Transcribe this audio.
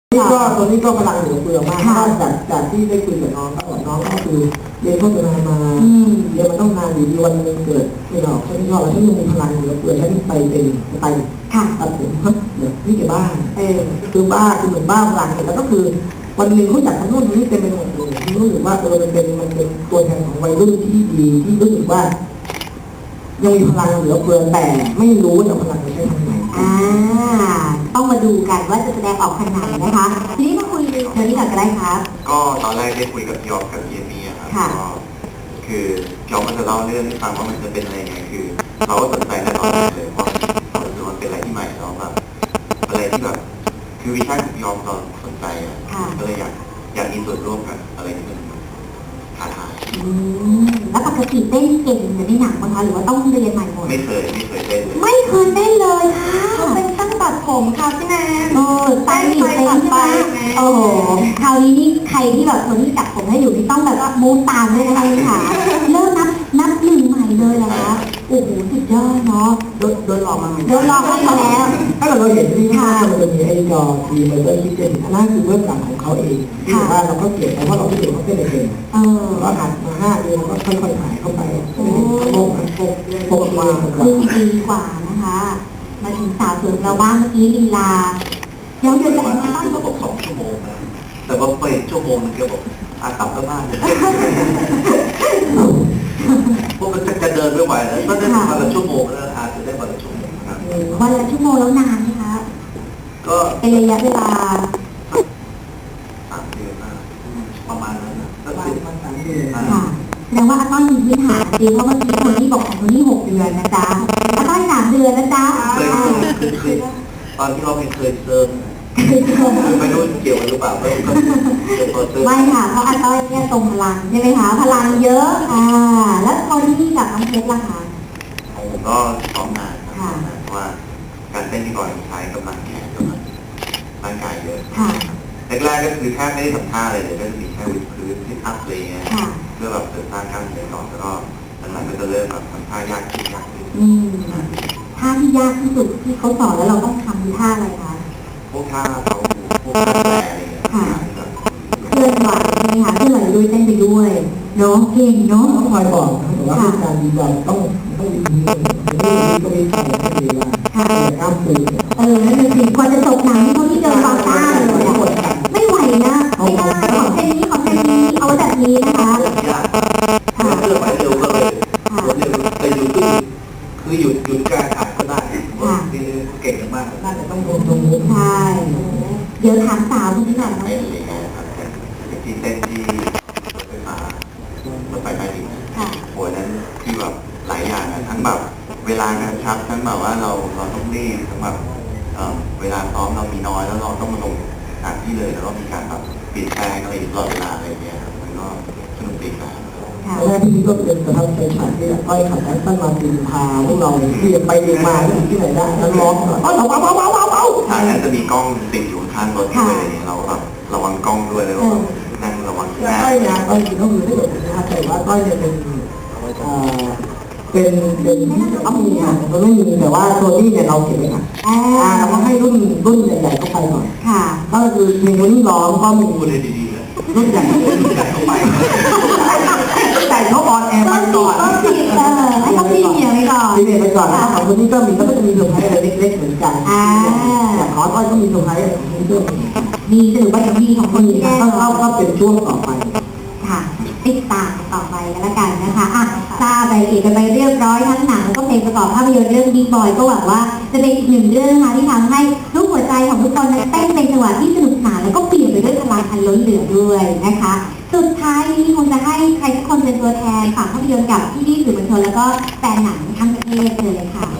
นี่ก็ตัวนี้ก็พลังเหลือเฟือมากเพราะจากที่ได้คุยกับน้องก็บอกน้องก็คือเรียนโฆษณามาเรียนมาต้องนานอยู่ดีวันนึงเกิดไม่หรอกฉันชอบแล้วฉันยังมีพลังเหลือเฟือฉันไปตัดผมเดี๋ยวพี่แกบ้าคือบ้าคือเหมือนบ้าพลังแล้วก็คือวันหนึ่งเขาจัดทำนู่นนี่เต็มไปหมดเลยที่รู้สึกว่ามันเป็นตัวแทนของวัยรุ่นที่ดีที่รู้สึกว่ายังมีพลังเหลือเฟือแต่ไม่รู้ว่าจะพลังจะใช้ทำไงต้องมาดูกันว่าจะแสดงออกขนาดไหนนะคะทีนี้มาคุยเรื่องนี้ก่อนก็ได้ครับก็ตอนแรกได้คุยกับพี่ออฟกับพี่เอมี่ครับก็คือพี่ออฟมันจะเล่าเรื่องให้ฟังว่ามันจะเป็นอะไรไงคือเราก็สนใจในตอนนั้นเลยเพราะมันเป็นอะไรที่ใหม่แล้วแบบอะไรที่แบบคือวิชาของพี่ออฟเราสนใจอ่ะก็เลยอยากมีส่วนร่วมกับอะไรที่มันท้าทายแล้วปกติเต้นเก่งเหมือนในหนังมั้งคะหรือว่าต้องเรียนใหม่หมดไม่เคยเต้นเลยไม่เคยเต้นเลยค่ะเป็นตั้งตัดผมค่ะพี่แนนสายหนีเต้นใช่ไหมโอ้โหคราวนี้นี่ใครที่แบบคนที่จับผมให้อยู่นี่ต้องแบบว่ามูตามเลยนะคะค่ะเริ่มนับหนึ่งใหม่เลยนะคะโอ้โหสุดยอดเนาะโดนหลอกมาแล้วถ้าเราเห็นที่ห้ามันจะมีไอ้จอทีมันก็คิดเป็นอันนั้นคือเบื้องหลังของเขาเองที่ว่าเราก็เก็บเพราะว่าเราไม่เห็นเขาเป็นเองก็หัดมา5 เดือนก็ค่อยๆถ่ายเข้าไปโปกมาดีกว่านะคะมาถึงสาวสวยเราบ้างเมื่อกี้ลีลาเดี๋ยวจะมาตั้งก็บอก2 ชั่วโมงนะแต่ว่าไป1 ชั่วโมงนึงแกบอกกลับก็บ้านเลยพวกมันจะเดินไม่ไหวแล้วก็ได้วันละชั่วโมงแล้วจะได้วันละชั่วโมงครับวันละชั่วโมงแล้วนานไหมคะก็เป็นระยะเวลา 3 เดือนประมาณนั้นนะประมาณ3 เดือนแสดงว่าอาต้อยมีพื้นฐานดีเพราะเมื่อกี้คนที่บอกของคนที่6 เดือนนะจ๊ะอาต้อย3 เดือนนะจ๊ะเคยตอนที่เราเคยเซิร์ฟไม่รู้เกี่ยวหรือเปล่าไม่ค่ะเพราะอาต้อยเนี่ยตรงพลังใช่ไหมคะพลังเยอะแล้วคนที่กับน้องเพชรล่ะคะผมก็ซ้อมนานครับเพราะว่าการเต้นที่ก่อนใช้กำลังแขนกำลังร่างกายเยอะแรกๆก็คือแทบไม่ได้ทำท่าเลยก็จะมีแค่วิดพื้นที่อัพเลยเพื่อแบบเสริมสร้างกล้ามเนื้อก่อนแล้วก็หลังๆก็จะเริ่มแบบทำท่ายากขึ้นท่าที่ยากที่สุดที่เขาสอนแล้วเราต้องทำท่าอะไรคะพวกท่าเขาพวกท่าแปรอะไรอย่างเงี้ยเคลื่อนไหวใช่ไหมคะเคลื่อนไหวด้วยเต้นไปด้วยเนาะเก่งเนาะต้องคอยบอกแต่ว่าการดีบอลต้องดีก็มีใครไม่ดีว่าข้ามปืนนั่นเป็นสิ่งควรจะตกหนังเขาที่เดินตามต้าเลยไม่ไหวนะไม่ได้ของแค่นี้เอาแบบนี้นะคะเคลื่อนไหวเร็วก็เลยแต่คือหยุดการถ่ายก็ได้เก่งมากน่าจะต้องตรงนี้ใช่เดี๋ยวถามสาวคนนี้ก่อนนะที่เต้นที่ไฟฟ้ารถไฟใต้ดินโหนั้นที่แบบหลายอย่างนะทั้งแบบเวลางานชับทั้งแบบว่าเราต้องรีบทั้งแบบเวลาซ้อมเรามีน้อยแล้วเราต้องมาลงสถานที่เลยแล้วก็มีการแบบเปลี่ยนแปลงอะไรตลอดเวลาอะไรอย่างเงี้ยมันก็สนุกดีครับแรกที่ก็เป็นประทับใจฉากที่อ้อยขับแอสตันมาตินพาพวกเราเรียนไปเรียนมาที่ไหนได้แล้วร้องเอาทางนั้นจะมีกล้องติดอยู่ข้างรถด้วยอะไรเงี้ยเราแบบระวังกล้องด้วยแล้วนั่งระวังแก้อยนะอ้อยก็คือถ้าเกิดนะครับแต่ว่าอ้อยเนี่ยเป็นที่ต้องมีค่ะมันไม่มีแต่ว่าตัวที่เนี่ยเราเก็บไว้ค่ะเราก็ให้รุ่นใหญ่ๆเข้าไปก่อนก็คือมีรุ่นร้องก็มีรุ่นดีๆรุ่นใหญ่เข้าไปใส่เขาออนแอร์ไปก่อนให้เขาพี่เมียไปก่อนพี่เมียไปก่อนแล้วของคนนี้ก็มีแล้วก็จะมีเซอร์ไพรส์อะไรเล็กๆเหมือนกันแต่ขออ้อยก็มีเซอร์ไพรส์อะไรของเพื่อนมีถือว่าจะมีของคนที่ก็เป็นช่วงต่อไปค่ะติดตามต่อไปกันแล้วกันนะคะทราบรายละเอียดกันไปเรียบร้อยทั้งหนังแล้วก็เพลงประกอบภาพยนตร์เรื่องบิ๊กบอยก็หวังว่าจะเป็นอีกหนึ่งเรื่องนะคะที่ทำให้ทุกหัวใจของทุกคนนั้นเต้นในจังหวะที่สนุกสนานแล้วก็เปลี่ยนไปด้วยพลังอันล้นเหลือด้วยนะคะสุดท้ายนี้คงจะให้ใครทุกคนเป็นตัวแทนฝากภาพยนตร์กับพี่ๆสื่อมวลชนแล้วก็แฟนหนังทั้งประเทศเลยค่ะ